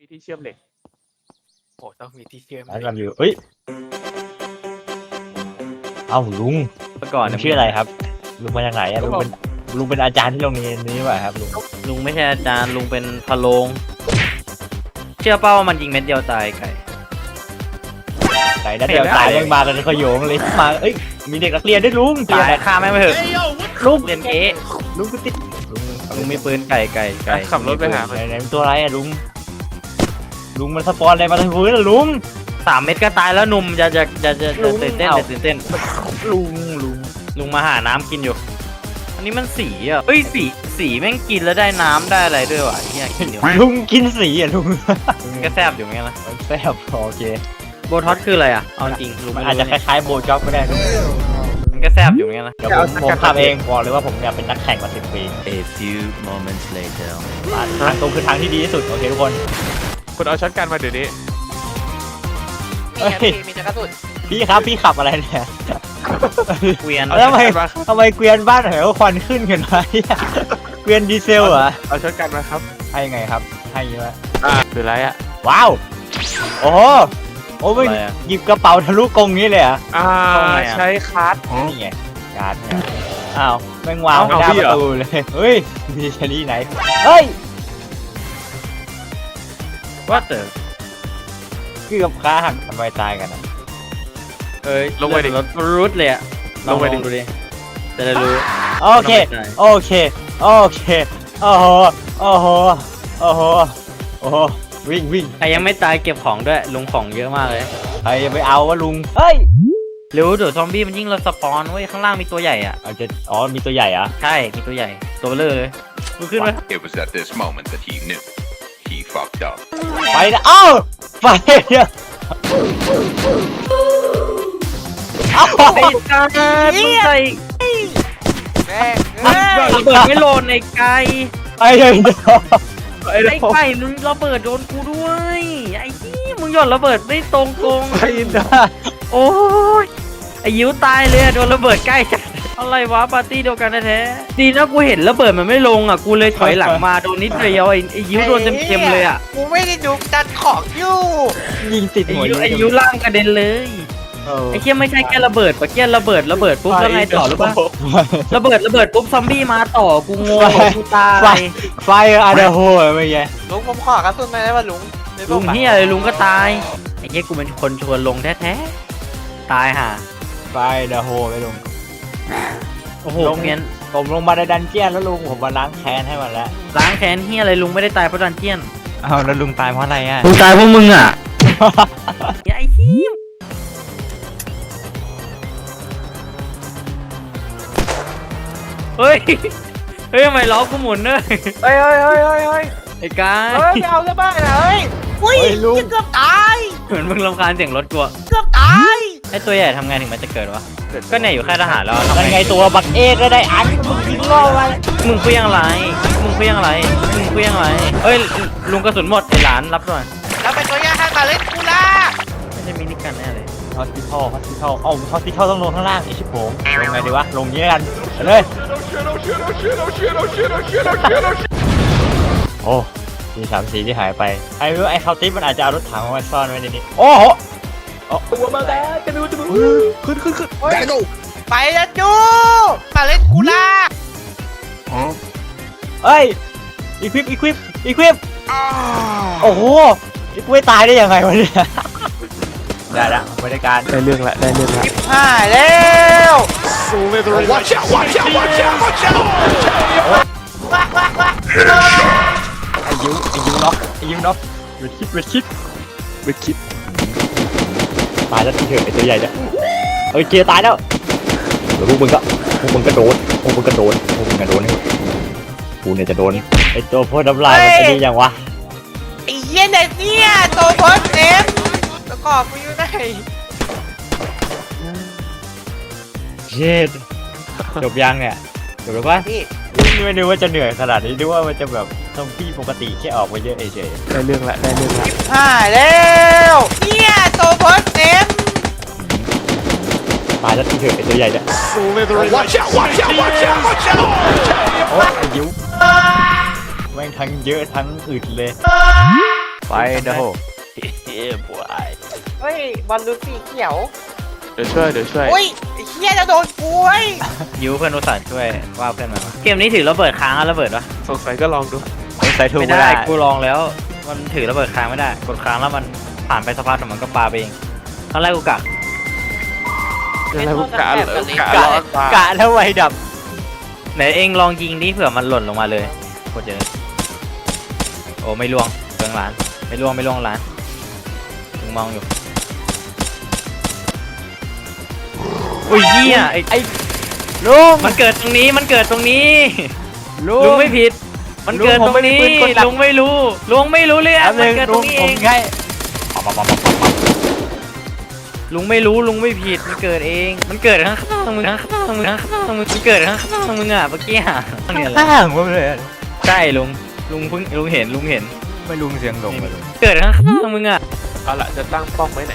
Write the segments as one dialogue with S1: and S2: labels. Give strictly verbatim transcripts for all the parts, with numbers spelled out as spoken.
S1: ที่เชื่อมเหล็ก
S2: โอ้ต้องมีที่เชื่อม
S3: ร้านกันอยู่เอ้ยเอ้าลุง
S4: เมื่อก่อน
S3: ลุงชื่ออะไรครับลุงมาจากไหนอะลุงเป็นลุงเป็นอาจารย์ที่โรงเรียนนี้ป่ะครับลุง
S4: ลุงไม่ใช่อาจารย์ลุงเป็นพะโลงเชื่อเป้าว่ามันยิงเม็ดเดียวตายไก่
S3: ไก่นัดเดียวตายแม่งมากันขโยงเลยมาเอ้ยมีเด็กนักเรียนด้วยลุง
S4: ตายฆ่าแม่งไปเถอะลูกเรียนเอ๊ะ
S3: ลุงก็ติดลุง
S4: ลุงมีปืนไก่ไก่ไก่
S1: ขับรถไปหา
S3: ไหนไหนเป็นตัวอะไรอะลุงลุงมันสปอนอะไรมาทางพื้นอะลุง
S4: สามเม็ดก็ตายแล้วหนุ่มจะจะจะจะจะตื่นเต้นจะตื่นเต้น
S3: ลุงลุง
S4: ลุงมาหาน้ำกินอยู่ อันนี้มันสีอ่ะเอ้ยสีสีแม่งกินแล้วได้น้ำได้อะไรด้วยวะเฮียกินเดี๋ยว
S3: ลุงกินสีอะลุง
S4: มันก็แซบอยู่เหมือนกันนะ
S3: มันแซ่บโอเค
S4: โบท็อตคืออะไรอ่ะเอาจริงลุง
S3: มัน
S4: ไม่
S3: อาจจะ
S4: รู้
S3: คล้ายๆโบจ็อกก็ได้ลุง
S4: มันก็แซบอยู่เหมือนกันนะ
S3: เดี๋ยวผมผมทำเองบอกเลยว่าผมอยากเป็นนักแข่งมาสิบปี
S5: A few moments later
S3: ทางตรงคือทางที่ดีที่สุดโอเคทุกคน
S1: คุณเอาช็อตกันมาเดี๋ยวนี้
S3: เฮ้ย
S2: มีจักรสุด
S3: พี่ครับพี่ขับอะไรเนี่ย
S4: เกวียน
S3: แล้วทำไมทำไมเกวียนบ้านเหวควันขึ้นกันวะเนี่ยเกวียนดีเซลเหรอ
S1: เอาช็อตกันมาครับ
S3: ให้ยังไงครับให้เยอะ
S1: อ่าคืออะไรอ่ะ
S3: ว้าวโอ้โหโอ้ยหยิบกระเป๋าทะลุกรงนี้เลยเหรอ่ะ
S1: อ่าใช้คาร์ด
S3: นี่ไงการ์ดเนี่ยอ้าวแม่งวางไม่ได้ประตูเลยเฮ้ยมีชนีไหนเฮ้ย
S4: ว่าเต๋อ
S3: เกือบขาหักทำไมตายกันอะ
S4: เอ้ยลงไปดิรถรุดเลยอะลองลองดูดิจะได้รู้
S3: โอเคโอเคโอเคโอ้โหโอ้โหโอ้โหโอ้โหวิ่งวิ่ง
S4: ใครยังไม่ตายเก็บของด้วยลุงของเยอะมากเลย
S3: ใครจะไปเอาวะลุงเฮ้ย
S4: เร็วเดี๋ยวซอมบี้มันยิ่งเราสปอนเว้ยข้างล่างมีตัวใหญ่อ่ะ
S3: เอาจะอ๋อมีตัวใหญ่อะ
S4: ใช่มีตัวใหญ่ตัวเบลอเลยมึงขึ้นมา
S6: It was at this moment that he knew he fucked up.
S3: ไปนะเอ้าไปเนี่ยเอ้า
S4: ไอ้ตามึงใส่
S2: แม่ง
S4: มึงโดนระเบิดไม่โลนไอ้ไก่
S3: ไปเลยเดี๋ยว
S1: ไอ้
S4: ไอ้ไก่มึงระเบิดโดนกูด้วยไอ้ที่มึงหย่อนระเบิดไม่ตรงกง
S1: ไอ้ดา
S4: โอ้ยไอ้ยิวตายเลยอะโดนระเบิดใกล้จัดอะไรวะปาร์ตี้เดียวกันแท้ๆดีนะกูเห็นระเบิดมันไม่ลงอ่ะกูเลยถอยหลังมาโดนนิดเดียวไอ้ไอ้ยิวโดนเต็มๆเลยอ่ะ
S2: กูไม่ได้ดูจัดของอยู่
S3: ยิงติด
S4: ไอ้
S3: หัว
S4: ยิวไอ้ยิวล่างกระเด็นเลย
S3: เออ
S4: ไอ้เคี้ยไม่ใช่แค่ระเบิดปะเคี้ยระเบิดระเบิดปุ๊บแล้วไงต่อหรือเปล่าระเบิดระเบิดปุ๊บซอมบี้มาต่อกูงงกูตา
S3: ไฟ
S4: ย
S3: ไฟอาร์เดโฮไม่ไง
S2: ลุงผมขอกระสุนมาได้ป่ะลุงในพว
S4: ลุ
S2: ก
S4: งเฮียเลยลุงก็ตายไอ้เคี้ยกูเป็นคนชวนลงแท้ๆตายห่า
S3: ไฟเดโฮไปลุง
S4: โอ้โห
S3: ลง
S4: เมียน
S3: ผมลงมาในดันเจียนแล้วลุงผมมาล้างแค้นให้มันแล้ว
S4: ล้างแค้นเฮียอะไรลุงไม่ได้ตายเพราะดันเจียน
S3: อ้าวแล้วลุงตายเพราะอะไรอ่ะ
S4: ลุงตายเพราะมึงอ่ะไอ้เฮียเฮ้ย เฮ้ยทำไมล้อกูหมุนเนอะ
S2: เฮ้ยเฮ้ยเฮ้ยเฮ้ยเฮ้ย
S4: ไอ้กาย
S2: เฮ้ยไม่เอาซะบ้างนะเฮ้ยอุ้ย
S3: เฮ้ยลุง
S2: เกือบตาย
S4: เหมือนมึงรำคาญเสียงรถกูอะ
S2: เกือบตาย
S4: ไอ้ตัวใหญ่ทำไงถึงมันจะเกิดวะ ก็เนี่ยอยู่ค่ายทหารแล้วทำ
S3: นั่น
S4: ไง
S3: ไงตัวบักเอกก็ได้อันมึงยิงล่อไว้
S4: มึงคุยยังไรมึงคุยยังไรมึงคุยยังไรเอ้ยลุงกระสุนหมดไอ้หลานรับหน่อย
S2: แล้วเป็นตัวย่างให้มาเล่นกูล่ะ
S4: ไม่ใช่มินิกันแน่เลย
S3: ฮอสพิทอลฮอสพิทอลเอ้าฮอสพิทอลต้องลงข้างล่างไอ้ชิบผมลงไงดีวะลงนี้กันไปเลยโอ้มีสามสีที่หายไปไอ้รู้ไอ้คาวติสมันอาจจะเอารถถังมาซ่อนไว้ในนี้โอ้โห
S1: ตัวมาแล้วจะดูจะดูขึ้นขึ้นขึ้น
S2: เฮ้ยไปแล้วจูมาเล่นกูล่ะ
S3: เอ้ยอีควิปอีควิปอีควิปโอ้โหอีกล้วยตายได้ยังไงวะเนี่ยได้ละบรรยากาศ
S1: ได้เรื่องละได้เรื่องละ
S2: หายแล้ว
S1: กูไม่รู้
S6: Watch out! Watch out! Watch out! Watch out!
S2: ว้าว้าว้า
S3: ไอ้ยิวไอ้ยิวน็อกไอ้ยิวน็อกเวทคิดเวทคิด
S1: ไม่คิด
S3: ตายแล้วที่เถอะไอ้ตัวใหญ่เนี่ยเอ้ยเจตายแล้วแล้วพวกมึงก็พวกมึงก็โดนพวกมึงก็โดนพวกมึงก็โดนให้กูเนี่ยจะโดนไอ้ตัวพ่นน้ำลายมันจะดีอย่างวะ
S2: ไอ้เหี้ยเนี่ยเนี่ยตัวโพสเต็มแล้วก็กูอยู่ไหน
S3: เช็ดจบยังเนี่ยจบแล้วปะ
S2: พี่
S3: ไม่นึกว่าจะเหนื่อยขนาดนี้นึกว่ามันจะแบบซอมบี้ปกติแค่ออกมาเยอะเฉย
S1: ได้เรื่องละได้เรื่องละ
S2: หายแล้วเนี่ยตัวโพสเต็ม
S3: ตายแล้วที่เถอะไอ้ตัวใหญ่เนี่ย
S1: กูไม่รู้
S6: Watch out! Watch out! Watch out! Watch out!
S3: โอ้ยไอ้ยิวแม่งทั้งเยอะทั้งอึดเลยไปเด้อ
S1: เฮ้ยบวย
S2: เฮ้ยบอลลูนสีเขียว
S1: เดี๋ยวช่วยเดี๋ยวช่วย
S2: อุ้ยไอ้เฮียจะโดนกูเว้ย
S4: ยูเพื่อนอุตส่าห์ช่วยว่าเพื่อนมาเกมนี้ถือระเบิดค้างอะระเบิดวะ
S1: สงสัยก็ลองดู
S3: ใส่ถูก
S4: ไม่
S3: ไม่
S4: ได้
S3: ได้
S4: กูลองแล้ว มันถือระเบิดค้างไม่ได้กดค้างแล้วมันผ่านไปสักพักแต่มันก็ปาไปเองตอนแรกกูกะ
S1: อะไรพวกกะเหรอกะ
S3: กะ
S1: ร้อนตาก
S3: ะแล้วไวดับ
S4: ไหนเองลองยิงดิเผื่อมันหล่นลงมาเลยกดเจอโอ้ไม่ล่วงเบืองหลานไม่ล่วงไม่ล่วงหลานมึงมองอยู่อุ้ยเหี้ยไอ้
S3: ไอ้ลุง
S4: มันเกิดตรงนี้มันเกิดตรงนี้
S3: ลุ
S4: ลุ
S3: ง
S4: งไม่ผิด มันเกิดตรงนี้
S3: ลุงผมไม่ได้ปืนกลหลัก
S4: ลุงไม่รู้ลุงไม่รู้เรื่อง
S3: แป๊บ
S4: มั
S3: นึ
S4: น
S3: ง
S4: เกิดต
S3: ลุ
S4: รง งนี้
S3: ผ
S4: เอ
S3: ม
S4: ง
S3: แค่
S4: ลุงไม่รู้ลุงไม่ผิดมันเกิดเอง มันเกิดข้างๆมึงข้างๆมึงข้างๆมึงมันเกิดข้างๆมึงอ่ะเมื่อกี้อ่ะเนี่ยแหละ
S3: ข้างผมเลยอะ
S4: ใช่ลุงลุงเพิ่งลุงเห็นลุงเห็น
S3: ไม่ลุงเสียงหลงเลย
S4: เกิดข้างๆมึงอ่ะ
S1: เอาละจะตั้งป้อมไว้ไหน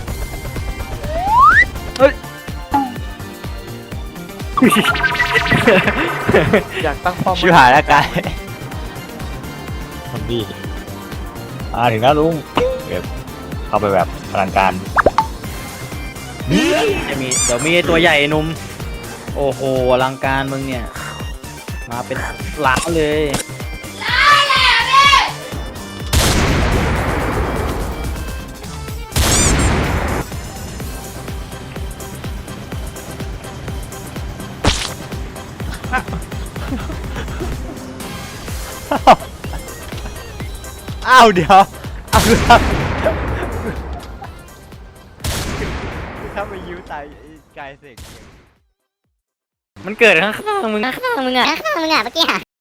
S1: อยากตั้งป้อม
S3: ชิบหายแล้วกายทำดีอ่าถึงแล้วลุงเก็บเข้าไปแบบพลังการ
S4: จะมีเดี๋ยวมีไอ้ตัวใหญ่ไอ้หนุ่มโอ้โหอลังการมึงเนี่ยมาเป็นหลาเลย
S3: อ้าวเดี๋ยวเอาครับถ้าไปยิ้วตายกายเสก
S4: มันเกิดข้างๆมึง
S7: ข้างๆมึงอะข้างๆมึงอะเมื่อกี้อะ